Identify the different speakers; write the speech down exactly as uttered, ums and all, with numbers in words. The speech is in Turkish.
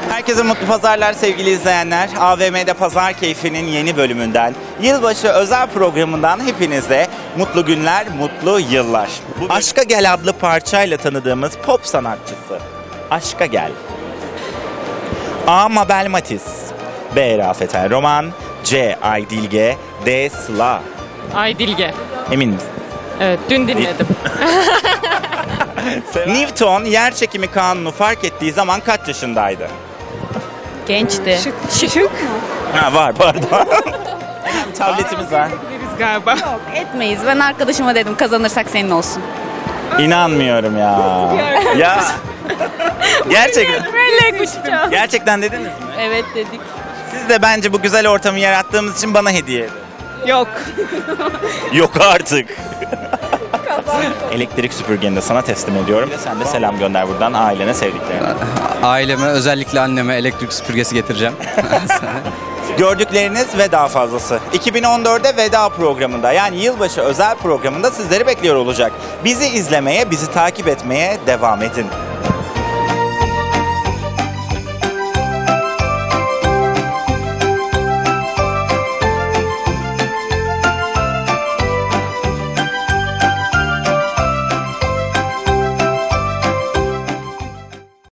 Speaker 1: Herkese mutlu pazarlar sevgili izleyenler. A V M'de Pazar Keyfi'nin yeni bölümünden, yılbaşı özel programından hepinize mutlu günler, mutlu yıllar. Bugün Aşka Gel adlı parçayla tanıdığımız pop sanatçısı Aşka Gel. A. Mabel Matiz, B. Rafet El Roman, C. Aydilge, D. Sıla.
Speaker 2: Aydilge.
Speaker 1: Emin misin?
Speaker 2: Evet, dün dinledim.
Speaker 1: Newton yer çekimi kanunu fark ettiği zaman kaç yaşındaydı?
Speaker 3: Gençti.
Speaker 2: Şık. Şık.
Speaker 1: Ha var pardon. Tabletimiz var.
Speaker 2: Biliriz galiba.
Speaker 3: Yok etmeyiz. Ben arkadaşıma dedim kazanırsak senin olsun.
Speaker 1: İnanmıyorum ya. Ya. Gerçekten.
Speaker 3: Böyle kuşacağım.
Speaker 1: Gerçekten dediniz mi?
Speaker 3: Evet dedik.
Speaker 1: Siz de bence bu güzel ortamı yarattığımız için bana hediye edin.
Speaker 2: Yok.
Speaker 1: Yok artık. Elektrik süpürgeni de sana teslim ediyorum. Sen de selam gönder buradan ailene, sevdiklerine.
Speaker 4: Aileme, özellikle anneme elektrik süpürgesi getireceğim.
Speaker 1: Gördükleriniz ve daha fazlası. iki bin on dörtte veda programında, yani yılbaşı özel programında sizleri bekliyor olacak. Bizi izlemeye, bizi takip etmeye devam edin.